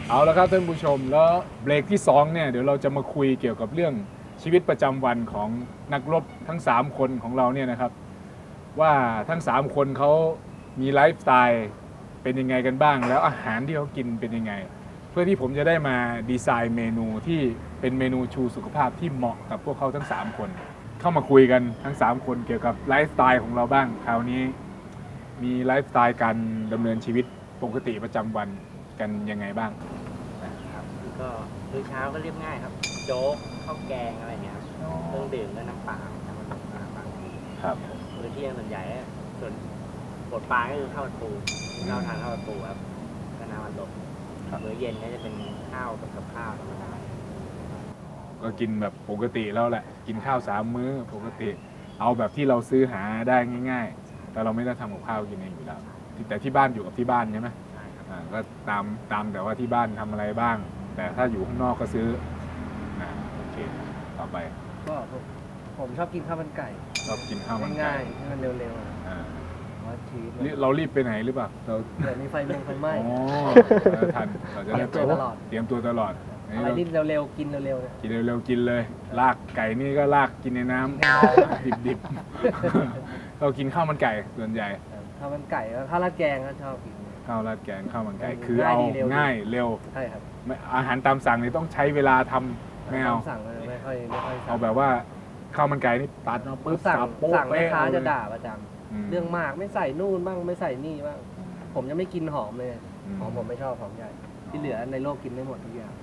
เอาละครับท่านผู้ชมแล้วเบรกที่2เนี่ยเดี๋ยวเราจะมาคุยเกี่ยวกับเรื่องชีวิตประจำวันของนักรบทั้ง3คนของเราเนี่ยนะครับว่าทั้ง3คนเขามีไลฟ์สไตล์เป็นยังไงกันบ้างแล้วอาหารที่เขากินเป็นยังไงเพื่อที่ผมจะได้มาดีไซน์เมนูที่เป็นเมนูชูสุขภาพที่เหมาะกับพวกเขาทั้ง3คนเข้ามาคุยกันทั้ง3คนเกี่ยวกับไลฟ์สไตล์ของเราบ้างคราวนี้มีไลฟ์สไตล์การดำเนินชีวิตปกติประจำวันกันยังไงบ้างครับก็มื้อเช้าก็เรียบง่ายครับโจ๊กข้าวแกงอะไรเงี้ยครับเครื่องดื่มก็น้ำเปล่าน้ำมันบางทีครับมื้อเที่ยงส่วนใหญ่ส่วนบดปลาก็คือข้าวผัดปูเราทานข้าวผัดปูครับก็น้ำมันลมมื้อเย็นก็จะเป็นข้าวกับข้าวธรรมดาก็กินแบบปกติแล้วแหละกินข้าว3 มื้อปกติเอาแบบที่เราซื้อหาได้ง่ายๆแต่เราไม่ได้ทำกับข้าวกินเองอยู่แล้วแต่ที่บ้านอยู่กับที่บ้านใช่ไหมก็ตามแต่ว่าที่บ้านทำอะไรบ้าง แต่ถ้าอยู่ข้างนอกก็ซื้อโอเคต่อไปก็ผมชอบกินข้าวมันไก่ชอบกินข้าวมันไก่ง่ายๆให้มันเร็วๆว่าชีวิตเรารีบไปไหนหรือเปล่าเดี๋ยวนี้ไฟไหม้ทันเราจะเตรียมตัวตลอดอะไรที่เร็วๆกินเร็วๆเนี่ยกินเร็วๆกินเลยลากไก่นี่ก็ลากกินในน้ำดิบๆเรากินข้าวมันไก่ส่วนใหญ่ข้าวมันไก่ข้าวราดแกงก็ชอบกินข้าวราดแกงข้าวมันไก่คือเอาง่ายเร็วใช่ครับอาหารตามสั่งนี่ต้องใช้เวลาทำไม่เอาสั่งไม่ค่อยเอาแบบว่าข้าวมันไก่นี่ตัดมาปุ๊บสั่งแม่ค้าจะด่าประจำเรื่องมากไม่ใส่นู่นบ้างไม่ใส่นี่บ้างผมยังไม่กินหอมเลยหอมผมไม่ชอบหอมใหญ่ที่เหลือในโลกกินได้หมดทุกอย่าง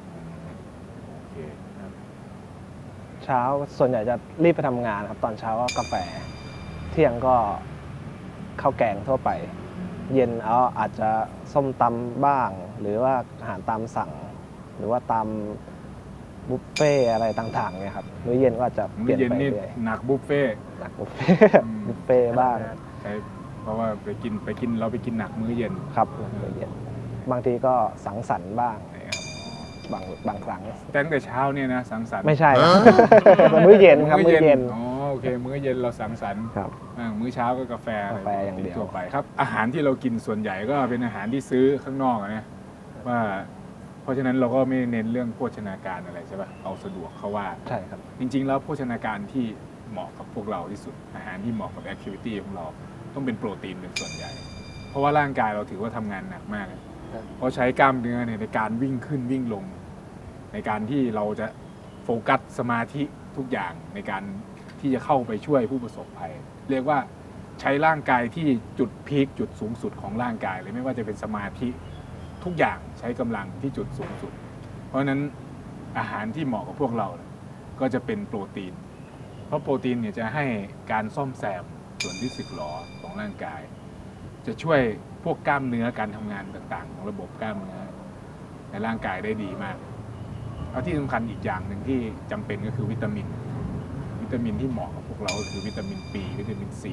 เช้าส่วนใหญ่จะรีบไปทำงานครับตอนเช้าก็กาแฟเที่ยงก็ข้าวแกงทั่วไปเย็นอาจจะส้มตำบ้างหรือว่าอาหารตามสั่งหรือว่าตามบุฟเฟ่อะไรต่างๆเนี่ยครับมื้อเย็นก็จะเปลี่ยนไปเรื่อยหนักบุฟเฟ่บุฟเฟ่บ้างใช่เพราะว่าไปกินเราไปกินหนักมื้อเย็นครับมื้อเย็นบางทีก็สังสรรค์บ้างบางครั้งตั้งแต่เช้าเนี่ยนะสังสรรค์ไม่ใช่มื้อเย็นครับมื้อเย็นโอเคมื้อเย็นเราสังสรรค์ครับมื้อเช้าก็กาแฟอย่างเดียวทั่วไปครับอาหารที่เรากินส่วนใหญ่ก็เป็นอาหารที่ซื้อข้างนอกนะว่าเพราะฉะนั้นเราก็ไม่เน้นเรื่องโภชนาการอะไรใช่ป่ะเอาสะดวกเขาว่าใช่ครับจริงๆแล้วโภชนาการที่เหมาะกับพวกเราที่สุดอาหารที่เหมาะกับแอคทิวิตี้ของเราต้องเป็นโปรตีนเป็นส่วนใหญ่เพราะว่าร่างกายเราถือว่าทำงานหนักมากเพราะใช้กล้ามเนื้อในการวิ่งขึ้นวิ่งลงในการที่เราจะโฟกัสสมาธิทุกอย่างในการที่จะเข้าไปช่วยผู้ประสบภัยเรียกว่าใช้ร่างกายที่จุดพีคจุดสูงสุดของร่างกายเลยไม่ว่าจะเป็นสมาธิทุกอย่างใช้กำลังที่จุดสูงสุดเพราะฉะนั้นอาหารที่เหมาะกับพวกเราก็จะเป็นโปรตีนเพราะโปรตีนเนี่ยจะให้การซ่อมแซมส่วนที่สึกหรอของร่างกายจะช่วยพวกกล้ามเนื้อการทำงานต่างๆของระบบกล้ามเนื้อในร่างกายได้ดีมากแล้วที่สำคัญอีกอย่างหนึ่งที่จำเป็นก็คือวิตามินที่เหมาะกับพวกเราก็คือวิตามิน B วิตามิน C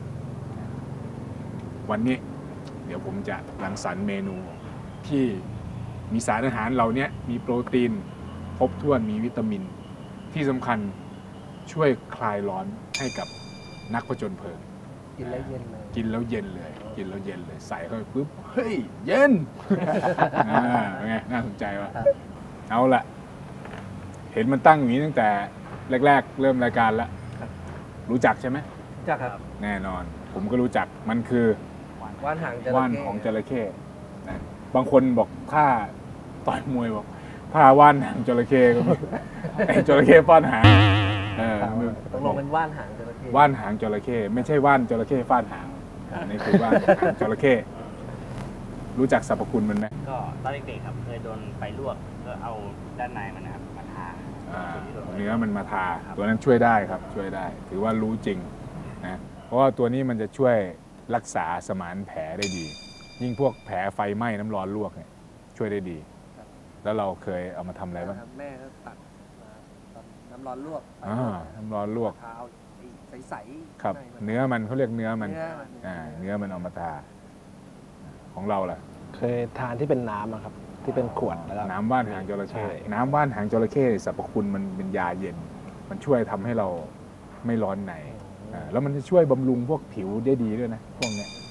วันนี้เดี๋ยวผมจะรังสรรค์เมนูที่มีสารอาหารเหล่านี้มีโปรตีนครบถ้วนมีวิตามินที่สำคัญช่วยคลายร้อนให้กับนักผจญเพลิงกินแล้วเย็นเลยใส่เข้าไปปุ๊บเฮ้ยเย็นเป็นไงน่าสนใจว่ะเอาละเห็นมันตั้งอย่างนี้ตั้งแต่แรกๆเริ่มรายการแล้วรู้จักใช่ไหมรู้จักครับแน่นอนผมก็รู้จักมันคือว่านหางจระเข้ว่านของจระเข้บางคนบอกถ้าต่อยมวยบอกถ้าว่านหางจระเข้ก็ไอ้จระเข้ฟาดหางตกลงเป็นว่านหางจระเข้ว่านหางจระเข้ไม่ใช่ว่านจระเข้ฟาดหางนี่คือว่านหางจระเข้รู้จักสรรพคุณมันไหมก็ตอนเด็กๆครับเคยโดนไฟลวกก็เอาด้านในมันนะครับมาทาเนื้อมันมาทาตัวนั้นช่วยได้ครับช่วยได้ถือว่ารู้จริงนะเพราะว่าตัวนี้มันจะช่วยรักษาสมานแผลได้ดียิ่งพวกแผลไฟไหม้น้ำร้อนลวกเนี่ยช่วยได้ดีแล้วเราเคยเอามาทำอะไรบ้างแม่ก็ตัดน้ำร้อนลวกน้ำร้อนลวกใสๆครับเนื้อมันเขาเรียกเนื้อมันเนื้อมันเอามาทาของเราล่ะเคยทานที่เป็นน้ำครับที่เป็นขวดแล้วน้ำว่านหางจระเข้น้ำว่านหางจระเข้สรรพคุณมันเป็นยาเย็นมันช่วยทำให้เราไม่ร้อนในแล้วมันจะช่วยบำรุงพวกผิวได้ดีด้วยนะพวกนี้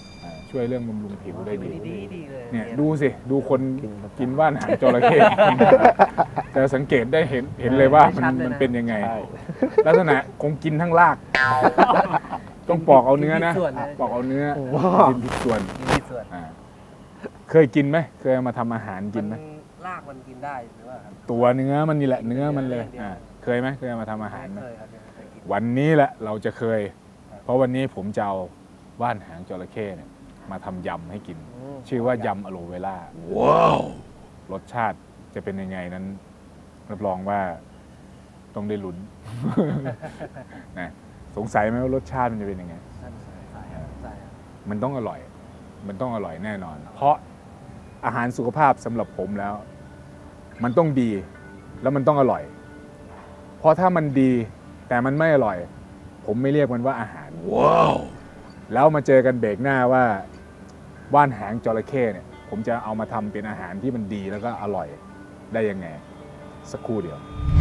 ช่วยเรื่องบำรุงผิวได้ดีดีเลยเนี่ยดูสิดูคนกินว่านหางจระเข้ จะสังเกตได้เห็นเลยว่ามันเป็นยังไงใช่ลักษณะคงกินทั้งราก ต้องปอกเอาเนื้อนะปอกเอาเนื้อกินทุกส่วนกินที่ส่วนอ่าเคยกินไหมเคยเอามาทำอาหารกินไหมรากมันกินได้หรือว่าครับตัวเนื้อมันนี่แหละเนื้อมันเลยเคยไหมเคยเอามาทำอาหารไหมเคยครับเคยกินวันนี้แหละเราจะเคย เพราะวันนี้ผมจะเอาว่านหางจระเข้เนี่ยมาทำยำให้กิน ชื่อว่ายำอะโลเวล่าว้าวรสชาติจะเป็นยังไงนั้นรับรองว่าต้องได้ลุ้น นะสงสัยไหมว่ารสชาติมันจะเป็นยังไงใส่ครับใส่ครับมันต้องอร่อย มันต้องอร่อยแน่นอน เพราะอาหารสุขภาพสำหรับผมแล้ว มันต้องดีแล้วมันต้องอร่อย เพราะถ้ามันดีแต่มันไม่อร่อย ผมไม่เรียกมันว่าอาหารว้าวแล้วมาเจอกันเบรกหน้าว่าว่านหางจระเข้เนี่ย ผมจะเอามาทำเป็นอาหารที่มันดีแล้วก็อร่อยได้ยังไง สักครู่เดียว